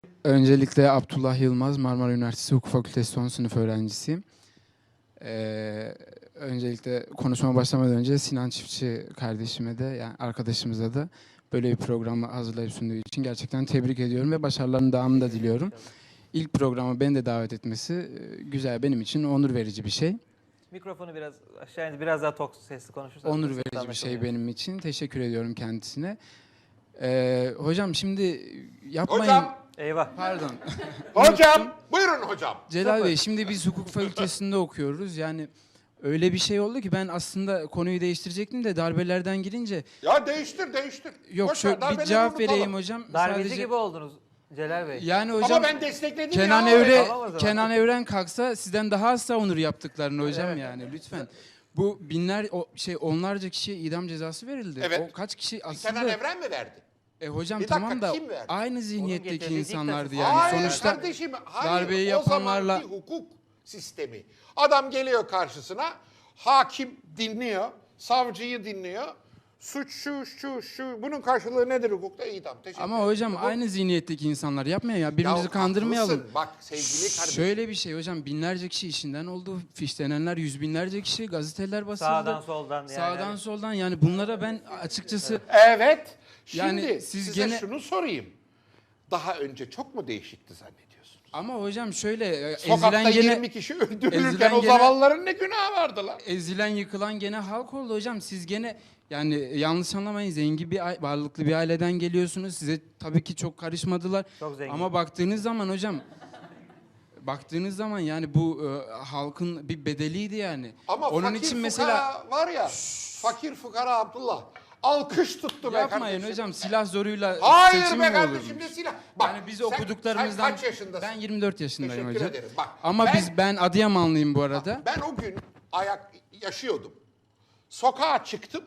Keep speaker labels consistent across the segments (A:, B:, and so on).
A: Öncelikle Abdullah Yılmaz, Marmara Üniversitesi Hukuk Fakültesi son sınıf öğrencisiyim. Öncelikle konuşmama başlamadan önce Sinan Çiftçi kardeşime de, yani arkadaşımıza da böyle bir programı hazırlayıp sunduğu için gerçekten tebrik ediyorum ve başarılarının devamını da diliyorum. İlk programa beni de davet etmesi güzel, benim için onur verici bir şey.
B: Mikrofonu biraz aşağı indir, biraz daha sesli konuşursanız.
A: Onur verici bir şey benim için. Teşekkür ediyorum kendisine. Hocam şimdi yapmayın...
C: Hocam.
B: Eyvah.
A: Pardon.
C: Hocam, buyurun hocam.
A: Celal Bey, şimdi biz hukuk fakültesinde okuyoruz. Yani öyle bir şey oldu ki ben aslında konuyu değiştirecektim de darbelerden girince...
C: Ya değiştir.
A: Yok,
C: Boş
A: şöyle
C: ver,
A: bir
C: darbeleri
A: cevap
C: unutalım.
A: vereyim hocam.
B: Darbeci
A: Sadece...
B: gibi oldunuz Celal Bey.
A: Yani hocam,
C: Ama ben destekledim
A: Kenan
C: ya.
A: Evre,
B: Tamam o zaman.
A: Kenan Evren kalksa sizden daha az savunur yaptıklarını hocam,
B: Evet.
A: yani lütfen. Bu onlarca kişiye idam cezası verildi.
C: Evet.
A: O kaç kişi aslında...
C: Kenan Evren mi verdi?
A: Hocam
C: Bir dakika,
A: tamam da
C: kim verdi?
A: aynı zihniyetteki
B: getirdiği
A: insanlardı
B: diktatör.
A: yani.
C: Hayır
A: Sonuçta
C: kardeşim, hayır.
A: darbeyi
C: O
A: yapanlarla...
C: zamanki hukuk sistemi. Adam geliyor karşısına, hakim dinliyor, savcıyı dinliyor. Suç şu. Bunun karşılığı nedir hukukta? İdam. Teşekkür
A: Ama
C: ederim.
A: hocam aynı zihniyetteki insanlar yapmıyor ya. Birbirimizi kandırmayalım.
C: Haklısın. Bak sevgili kardeşim.
A: Şöyle bir şey hocam, binlerce kişi işinden oldu. Fişlenenler yüz binlerce kişi, gazeteler basıldı.
B: Sağdan soldan yani.
A: Sağdan soldan, yani bunlara ben açıkçası...
C: Evet. Şimdi
A: Yani siz
C: size
A: gene-
C: şunu sorayım. Daha önce çok mu değişikti zannediyorsunuz?
A: Ama hocam şöyle,
C: Sokakta
A: ezilen
C: 20
A: gene...
C: kişi öldürülürken
A: ezilen
C: o
A: gene-
C: zavallıların ne günahı vardı lan?
A: Ezilen, yıkılan gene halk oldu hocam. Siz gene, yani yanlış anlamayın, zengin bir varlıklı bir aileden geliyorsunuz. Size tabii ki çok karışmadılar.
B: Çok zengin.
A: Ama baktığınız zaman hocam, yani bu halkın bir bedeliydi yani.
C: Ama
A: onun
C: fakir
A: için
C: fukara
A: mesela
C: var ya, fakir fukara Abdullah. Alkış tuttu be
A: yapmayın
C: kardeşim.
A: hocam, silah zoruyla
C: Hayır
A: seçim
C: be
A: mi
C: kardeşim,
A: olurmuş?
C: ne silah. Bak,
A: Yani biz
C: sen
A: okuduklarımızdan...
C: kaç yaşındasın?
A: Ben 24 yaşındayım
C: Teşekkür
A: hocam.
C: ederim. Bak,
A: Ama ben Adıyamanlıyım bu arada.
C: Ben o gün yaşıyordum. Sokağa çıktım.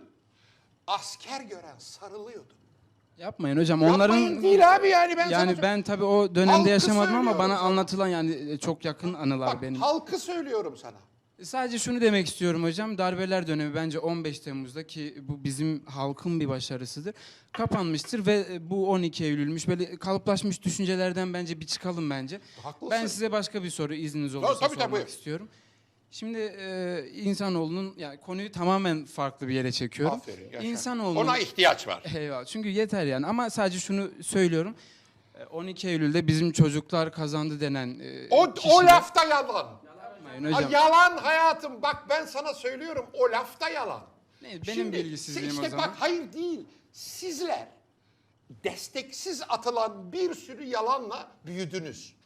C: Asker gören sarılıyordu.
A: Yapmayın hocam.
C: Yapmayın değil abi, yani ben
A: yani
C: sana...
A: ben tabii o dönemde
C: Halkı
A: yaşamadım ama bana
C: söylüyorum.
A: anlatılan, yani çok yakın anılar
C: Bak,
A: benim.
C: halkı söylüyorum sana.
A: Sadece şunu demek istiyorum hocam. Darbeler dönemi bence 15 Temmuz'da, ki bu bizim halkın bir başarısıdır, kapanmıştır ve bu 12 Eylül'müş. Böyle kalıplaşmış düşüncelerden bence bir çıkalım bence.
C: Haklısın.
A: Ben size başka bir soru, izniniz olursa
C: Tabii,
A: sormak
C: buyur.
A: istiyorum. Şimdi insanoğlunun, yani konuyu tamamen farklı bir yere çekiyorum.
C: Aferin, yaşa.
A: İnsanoğlunun...
C: Ona ihtiyaç var.
A: Eyvallah. Çünkü yeter yani. Ama sadece şunu söylüyorum. 12 Eylül'de bizim çocuklar kazandı denen
C: O
A: kişiler...
C: lafta yalan.
A: Yapmayın hocam.
C: Yalan hayatım. Bak ben sana söylüyorum, o lafta yalan.
A: Benim bilgisizliğim
C: işte
A: o zaman.
C: bak, hayır değil. Sizler desteksiz atılan bir sürü yalanla büyüdünüz.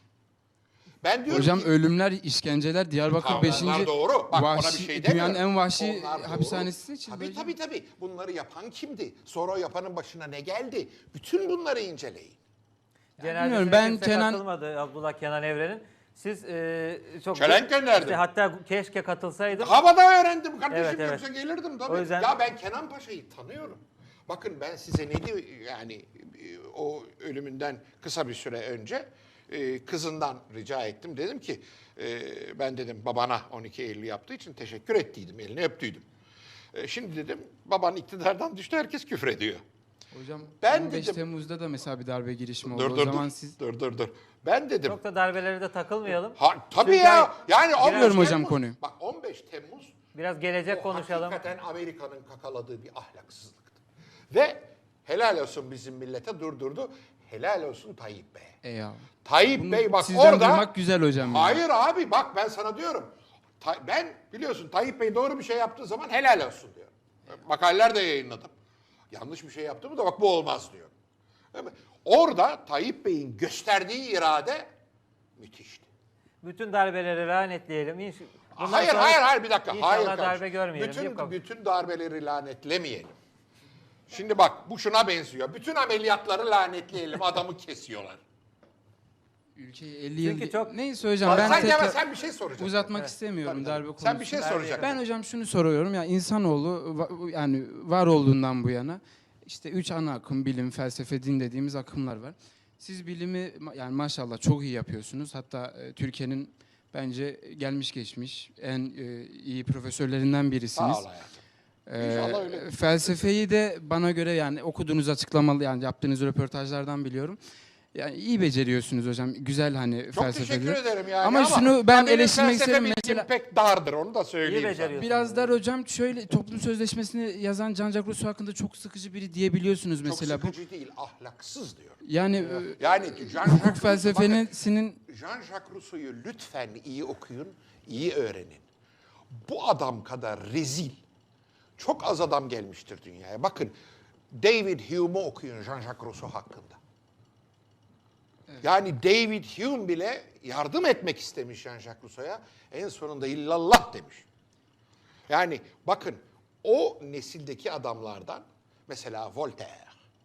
C: Ben diyorum
A: Hocam
C: ki,
A: ölümler, işkenceler, Diyarbakır
C: tamam,
A: 5.
C: onlar doğru. Bak, ona bir şey
A: dünyanın
C: demiyorum.
A: en vahşi
C: Onlar doğru.
A: hapishanesi seçildi hocam.
C: Tabii. Bunları yapan kimdi? Sonra o yapanın başına ne geldi? Bütün bunları inceleyin.
A: bilmiyorum,
B: Ben
A: ben
B: kimse katılmadı Abdullah Kenan Evren'in. Siz çok...
C: Çelenk gönderdim.
B: İşte hatta keşke katılsaydım.
C: Havada öğrendim kardeşim,
B: Evet.
C: yoksa gelirdim tabii.
B: O yüzden-
C: Ya ben Kenan Paşa'yı tanıyorum. Bakın ben size ne diyor, yani o ölümünden kısa bir süre önce kızından rica ettim. Dedim ki ben dedim babana 12 Eylül yaptığı için teşekkür ettiydim, elini öptüydüm. Şimdi dedim baban iktidardan düştü, herkes küfrediyor.
A: Hocam
C: Ben
A: 15
C: dedim-
A: Temmuz'da da mesela bir darbe girişimi oldu.
C: Dur
A: O
C: dur
A: zaman
C: dur.
A: siz...
C: Dur. Ben dedim.
B: Çok da darbelere de takılmayalım.
C: Tabii
B: Çünkü
C: ya. Yani 15
A: Biliyorum hocam
C: Temmuz,
A: konuyu.
C: Bak 15 Temmuz
B: Biraz gelecek
C: o
B: konuşalım.
C: hakikaten Amerika'nın kakaladığı bir ahlaksızlıktı. Ve helal olsun bizim millete, durdurdu. Helal olsun Tayyip Bey'e.
A: Eyvallah.
C: Tayyip
A: Bunu
C: Bey bak
A: sizden
C: orada...
A: duymak güzel hocam. ya.
C: Hayır abi, bak ben sana diyorum. Ben biliyorsun Tayyip Bey doğru bir şey yaptığı zaman helal olsun diyor. Makaleler de yayınladım. Yanlış bir şey yaptı mı da bak bu olmaz diyor. Değil mi? Orada Tayyip Bey'in gösterdiği irade müthişti.
B: Bütün darbeleri lanetleyelim. Bundan
C: Hayır
B: sonra
C: bir dakika.
B: İnşallah
C: Hayır
B: darbe
C: kardeşim.
B: görmeyelim. Yok.
C: Bütün darbeleri lanetlemeyelim. Şimdi bak bu şuna benziyor. Bütün ameliyatları lanetleyelim. Adamı kesiyorlar.
A: Ülkeyi 50 yıl...
B: Çünkü çok-
A: Neyse hocam, ben
C: Sen,
A: tekrar
C: sen bir şey soracaksın.
A: uzatmak istemiyorum darbe konusunu.
C: Sen bir şey soracaksın.
A: Ben hocam şunu soruyorum, ya insanoğlu yani var olduğundan bu yana işte 3 ana akım, bilim, felsefe, din dediğimiz akımlar var. Siz bilimi yani maşallah çok iyi yapıyorsunuz. Hatta Türkiye'nin bence gelmiş geçmiş en iyi profesörlerinden birisiniz.
C: Sağ ol hayatım. İnşallah öyle.
A: Felsefeyi de bana göre, yani okuduğunuz açıklamalı, yani yaptığınız röportajlardan biliyorum. Yani iyi beceriyorsunuz hocam. Güzel hani
C: Çok
A: felsefede.
C: teşekkür ederim yani.
A: Ama şunu ben
C: benim
A: eleştirmek
C: felsefe
A: isterim
C: bilgim
A: mesela.
C: pek dardır, onu da söyleyeyim
B: İyi
C: sana.
B: beceriyorsun.
A: Biraz dar hocam. Şöyle toplum sözleşmesini yazan Jean-Jacques Rousseau hakkında çok sıkıcı biri diyebiliyorsunuz mesela.
C: Çok sıkıcı değil, ahlaksız diyor.
A: Yani
C: Yani
A: hukuk felsefesinin
C: Jean-Jacques Rousseau'yu lütfen iyi okuyun, iyi öğrenin. Bu adam kadar rezil çok az adam gelmiştir dünyaya. Bakın, David Hume'u okuyun Jean-Jacques Rousseau hakkında. Yani David Hume bile yardım etmek istemiş Jean-Jacques Rousseau'ya. En sonunda illallah demiş. Yani bakın, o nesildeki adamlardan mesela Voltaire.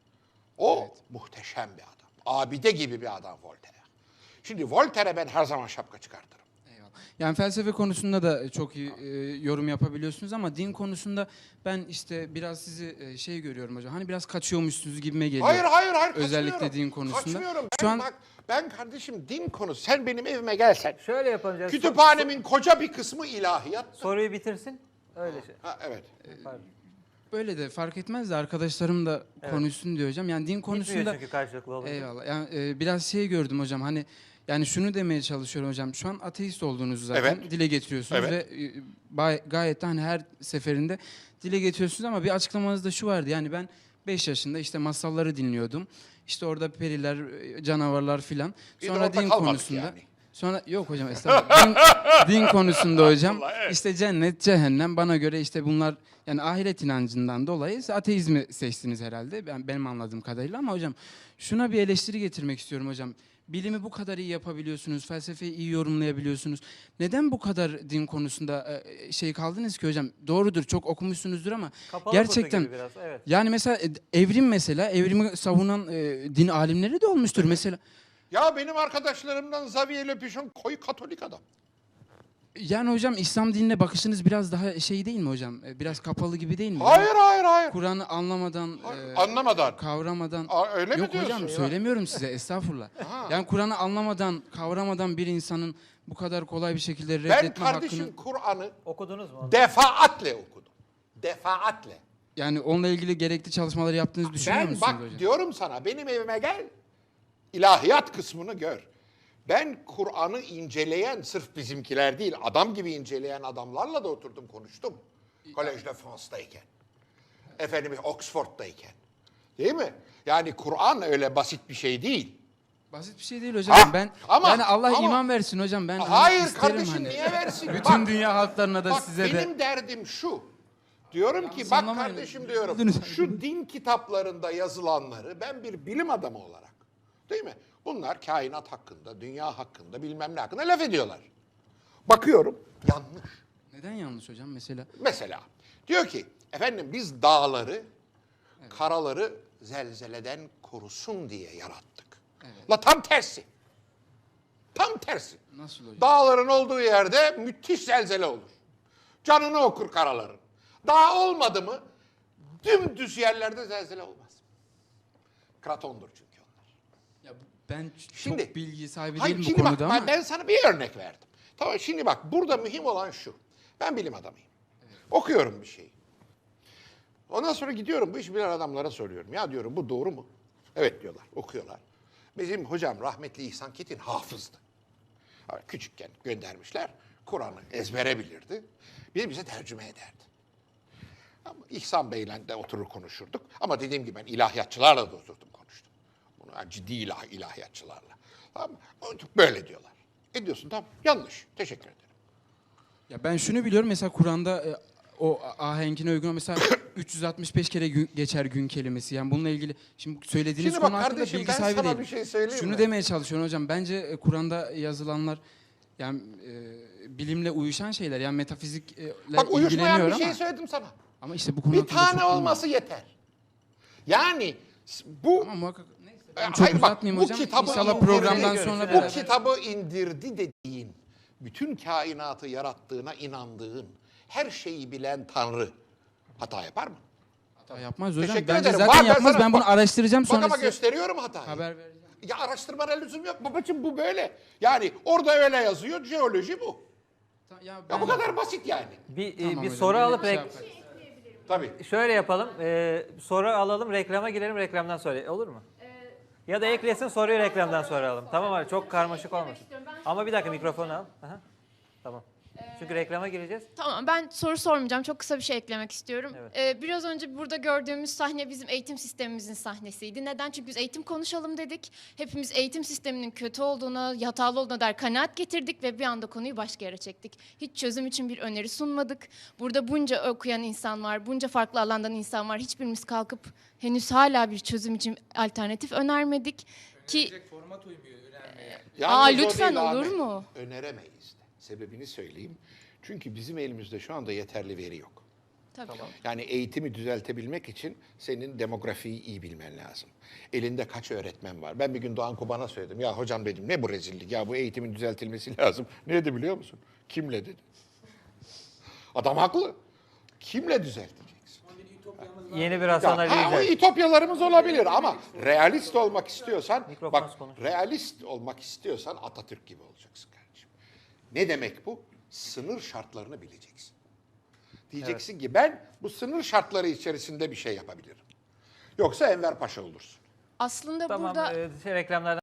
C: O muhteşem bir adam. Abide gibi bir adam Voltaire. Şimdi Voltaire'e ben her zaman şapka çıkartırım.
A: eyvallah. Yani felsefe konusunda da çok iyi yorum yapabiliyorsunuz ama din konusunda ben işte biraz sizi şey görüyorum hocam. Hani biraz kaçıyormuşsunuz gibime geliyor.
C: Hayır.
A: Özellikle
C: kaçmıyorum.
A: din konusunda.
C: Kaçmıyorum.
A: Şu an
C: Bak, ben kardeşim din konusu. Sen benim evime gelsen.
B: Şöyle yapacağız.
C: Kütüphanemin koca bir kısmı ilahiyat.
B: Soruyu bitirsin. Öyle şey.
C: Ha, evet.
B: Pardon.
A: böyle de fark etmez de arkadaşlarım da konuşsun diyor hocam. Yani din
B: Bitmiyor
A: konusunda
B: çünkü karşılıklı olunca.
A: eyvallah. Yani biraz şey gördüm hocam. Hani yani şunu demeye çalışıyorum hocam. Şu an ateist olduğunuzu zaten
C: Evet.
A: dile getiriyorsunuz
C: Evet.
A: ve gayet de hani her seferinde dile getiriyorsunuz ama bir açıklamanızda şu vardı. Yani ben 5 yaşında işte masalları dinliyordum. İşte orada periler, canavarlar filan.
C: Bir de
A: Sonra
C: orada
A: din
C: kalmadık
A: konusunda.
C: yani.
A: Sonra yok hocam estağfurullah. Din konusunda hocam işte cennet, cehennem bana göre işte bunlar yani ahiret inancından dolayı ateizmi seçtiniz herhalde. Benim anladığım kadarıyla ama hocam şuna bir eleştiri getirmek istiyorum hocam. Bilimi bu kadar iyi yapabiliyorsunuz, felsefeyi iyi yorumlayabiliyorsunuz. Neden bu kadar din konusunda şey kaldınız ki hocam? Doğrudur, çok okumuşsunuzdur ama
B: Kapalı
A: gerçekten
B: kutu gibi biraz. Evet.
A: yani mesela evrimi savunan din alimleri de olmuştur mesela.
C: Ya benim arkadaşlarımdan Xavier Le Pichon koyu Katolik adam.
A: Yani hocam İslam dinine bakışınız biraz daha şey değil mi hocam? Biraz kapalı gibi değil mi?
C: Hayır.
A: Kur'an'ı anlamadan,
C: Anlamadan.
A: kavramadan.
C: Öyle mi
A: Yok
C: diyorsun
A: hocam
C: ya?
A: söylemiyorum size estağfurullah. Yani Kur'an'ı anlamadan, kavramadan bir insanın bu kadar kolay bir şekilde
C: Ben
A: reddetme
C: kardeşim
A: hakkını...
C: Kur'an'ı
B: Okudunuz mu onu?
C: defaatle okudum. Defaatle.
A: Yani onunla ilgili gerekli çalışmaları yaptığınızı düşünüyor
C: Ben
A: musunuz
C: bak
A: hocam?
C: diyorum sana, benim evime gel. İlahiyat kısmını gör. Ben Kur'an'ı inceleyen, sırf bizimkiler değil, adam gibi inceleyen adamlarla da oturdum konuştum. Collège de France'dayken. Efendim Oxford'dayken. Değil mi? Yani Kur'an öyle basit bir şey değil.
A: Basit bir şey değil hocam.
C: Ha,
A: Ben
C: ama-
A: yani Allah
C: ama-
A: iman versin hocam. Ben hani
C: Hayır
A: isterim
C: kardeşim,
A: hani.
C: niye versin?
A: Bütün
C: Bak,
A: dünya halklarına da
C: bak
A: size de.
C: benim derdim şu. Diyorum ki bak
A: sallamayın.
C: kardeşim diyorum,
A: Üzüldünüz.
C: şu din kitaplarında yazılanları ben bir bilim adamı olarak, değil mi? Bunlar kainat hakkında, dünya hakkında, bilmem ne hakkında laf ediyorlar. Bakıyorum, yanlış.
A: Neden yanlış hocam mesela?
C: Mesela diyor ki, efendim biz dağları, karaları zelzeleden korusun diye yarattık. La tam tersi. Tam tersi.
A: Nasıl hocam?
C: Dağların olduğu yerde müthiş zelzele olur. Canını okur karaların. Dağ olmadı mı dümdüz yerlerde zelzele olmaz. Kratondur çünkü onlar.
A: Ya ben
C: Şimdi-
A: çok bilgi sahibi
C: Hayır,
A: değilim bu
C: şimdi bak,
A: konuda ama.
C: ben sana bir örnek verdim. Tamam, şimdi bak burada mühim olan şu. Ben bilim adamıyım. Okuyorum bir şeyi. Ondan sonra gidiyorum bu iş bilen adamlara soruyorum. Ya diyorum bu doğru mu? Evet diyorlar, okuyorlar. Bizim hocam rahmetli İhsan Ketin hafızdı. Küçükken göndermişler. Kur'an'ı ezbere bilirdi. Bize tercüme ederdi. Ama İhsan Bey'le de oturur konuşurduk. Ama dediğim gibi ben ilahiyatçılarla da oturdum konuştum. Bunu ciddi ilahiyatçılarla. Tamam mı? Böyle diyorlar. Diyorsun tamam, yanlış. Teşekkür ederim.
A: Ya ben şunu biliyorum mesela Kur'an'da o ahenkine uygun mesela 365 kere geçer gün kelimesi. Yani bununla ilgili şimdi söylediğiniz
C: Şimdi bak
A: konu hakkında
C: kardeşim,
A: bilgi
C: ben
A: sahibi
C: sana
A: değilim.
C: bir şey söyleyeyim
A: Şunu
C: mi?
A: demeye çalışıyorum hocam. Bence Kur'an'da yazılanlar yani bilimle uyuşan şeyler. Yani metafizikle
C: Bak uyuşmayan
A: ilgileniyor
C: bir şey
A: ama.
C: söyledim sana.
A: Ama işte bu konu
C: Bir
A: hakkında çok
C: tane
A: bilmiyorum.
C: olması yeter. Yani bu
A: Ama muhakkak neyse. Ben
C: Hayır,
A: çok
C: bak,
A: uzatmayayım
C: bu
A: hocam.
C: kitabı
A: İnşallah
C: indirdi.
A: programdan
B: Görüşürüz.
A: sonra
C: bu
B: beraber.
C: kitabı indirdi dediğin, bütün kainatı yarattığına inandığın, her şeyi bilen Tanrı hata yapar mı?
A: Hata yapmaz hocam.
C: Teşekkür
A: Bence
C: ederim.
A: zaten
C: Var, ben
A: yapmaz.
C: sana-
A: Ben bunu
C: bak-
A: araştıracağım
C: Bak
A: sonra
C: ama
A: size
C: gösteriyorum hatayı.
A: haber vereceğim.
C: Ya araştırmana lüzum yok babacığım, bu böyle. Yani orada öyle yazıyor, jeoloji bu.
A: Ya
C: Ya bu kadar basit yani.
B: Bir
A: Tamam
B: bir
A: hocam,
B: soru
A: böyle
B: alıp
A: bir şey yaparız.
C: Tabii.
B: şöyle yapalım. Soru alalım, reklama girelim, reklamdan sonra olur mu? Ya da eklesin, soruyu reklamdan soralım. Tamam abi, çok karmaşık olmasın.
D: istiyorum. Ben
B: Ama bir dakika, mikrofonu al. Aha. Tamam. Çünkü reklama gireceğiz.
D: Tamam, ben soru sormayacağım. Çok kısa bir şey eklemek istiyorum.
B: Evet.
D: Biraz önce burada gördüğümüz sahne bizim eğitim sistemimizin sahnesiydi. Neden? Çünkü biz eğitim konuşalım dedik. Hepimiz eğitim sisteminin kötü olduğuna, hatalı olduğuna dair kanaat getirdik ve bir anda konuyu başka yere çektik. Hiç çözüm için bir öneri sunmadık. Burada bunca okuyan insan var, bunca farklı alandan insan var. Hiçbirimiz kalkıp henüz hala bir çözüm için alternatif önermedik. Ki
A: format uymuyor önermeye.
C: Yalnız o
D: lütfen,
C: değil
D: olur
C: Ahmet.
D: mu?
C: Öneremeyiz de. Sebebini söyleyeyim. Çünkü bizim elimizde şu anda yeterli veri yok.
D: tabii.
C: Yani eğitimi düzeltebilmek için senin demografiyi iyi bilmen lazım. Elinde kaç öğretmen var? Ben bir gün Doğan Kuban'a söyledim. Ya hocam dedim, ne bu rezillik? Ya bu eğitimin düzeltilmesi lazım. Ne dedi biliyor musun? Kimle dedi. Adam haklı. Kimle düzelteceksin?
B: Yeni bir Hasan
C: Ya,
B: Ali
C: o
B: Yücel.
C: ütopyalarımız olabilir ama realist olmak istiyorsan,
B: Mikrofon
C: bak
B: konuş.
C: realist olmak istiyorsan Atatürk gibi olacaksın kardeşim. Ne demek bu? Sınır şartlarını bileceksin. Diyeceksin ki ben bu sınır şartları içerisinde bir şey yapabilirim. Yoksa Enver Paşa olursun.
D: Aslında
B: Tamam,
D: burada
B: reklamlardan